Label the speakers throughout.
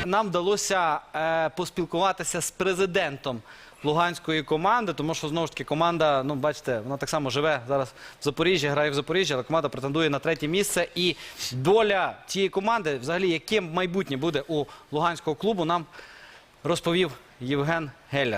Speaker 1: Нам вдалося поспілкуватися з президентом луганської команди, тому що, знову ж таки, команда, ну, бачите, вона так само живе зараз в Запоріжжі, грає в Запоріжжі, але команда претендує на 3-є місце. І доля цієї команди, взагалі, яким майбутнє буде у луганського клубу, нам розповів Євген Геллер.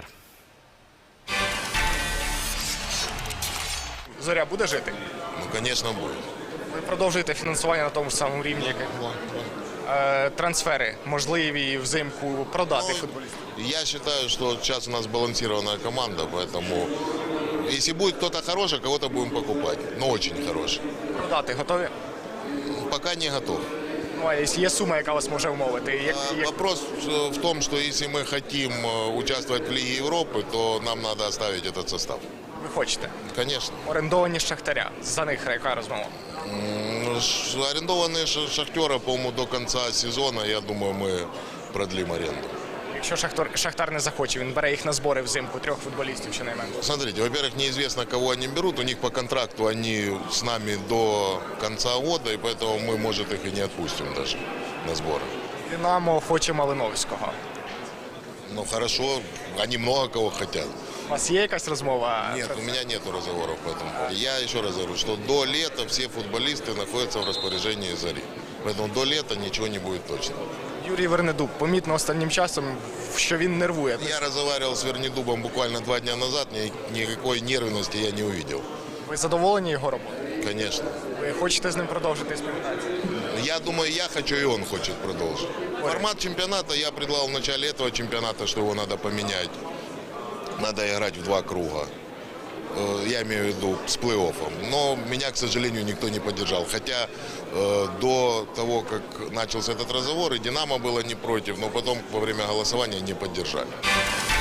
Speaker 2: Зоря буде жити?
Speaker 3: Ну, звісно, буде.
Speaker 2: Ви продовжуєте фінансування на тому ж самому рівні, як і трансфери можливі взимку продати футболістів?
Speaker 3: Я считаю, что сейчас у нас балансированная команда, поэтому если будет кто-то хороший, кого-то будем покупать, но очень хороший.
Speaker 2: Продати готові?
Speaker 3: Пока не готов.
Speaker 2: Ну, а є сума, яка вас може умовити?
Speaker 3: Вопрос в том, что если мы хотим участвовать в Лиге Европы, то нам надо оставить этот состав.
Speaker 2: Ви хочете?
Speaker 3: Конечно.
Speaker 2: Орендовані з Шахтаря. За них яка розмова?
Speaker 3: Арендованные Шахтера, по-моему, до конца сезона, я думаю, мы продлим аренду.
Speaker 2: Якщо Шахтар не захоче, він бере їх на збори взимку, 3 футболістів щонайменше.
Speaker 3: Смотрите, во-первых, неизвестно, кого они берут. У них по контракту они с нами до конца года, и поэтому мы, может, их и не отпустим даже на сборы.
Speaker 2: Динамо хоче Малиновського.
Speaker 3: Ну, хорошо, они много кого хотят.
Speaker 2: У вас є якась розмова?
Speaker 3: Нет, у меня нет разговоров по этому поводу. Я еще раз говорю, что до лета все футболисты находятся в распоряжении Зари. Поэтому до лета ничего не будет точно.
Speaker 2: Юрій Вернедуб, помітно останнім часом, що він нервує.
Speaker 3: Я разговаривал с Вернедубом буквально 2 дня назад, никакой нервности я не увидел.
Speaker 2: Ви задоволені його роботою?
Speaker 3: Конечно.
Speaker 2: Ви хочете з ним продовжити співпрацю?
Speaker 3: Я думаю, я хочу, и он хочет продолжить. Формат чемпионата я предлагал в начале этого чемпионата, что его надо поменять. Надо играть в 2 круга. Я имею в виду с плей-оффом. Но меня, к сожалению, никто не поддержал. Хотя до того, как начался этот разговор, и «Динамо» было не против, но потом во время голосования не поддержали.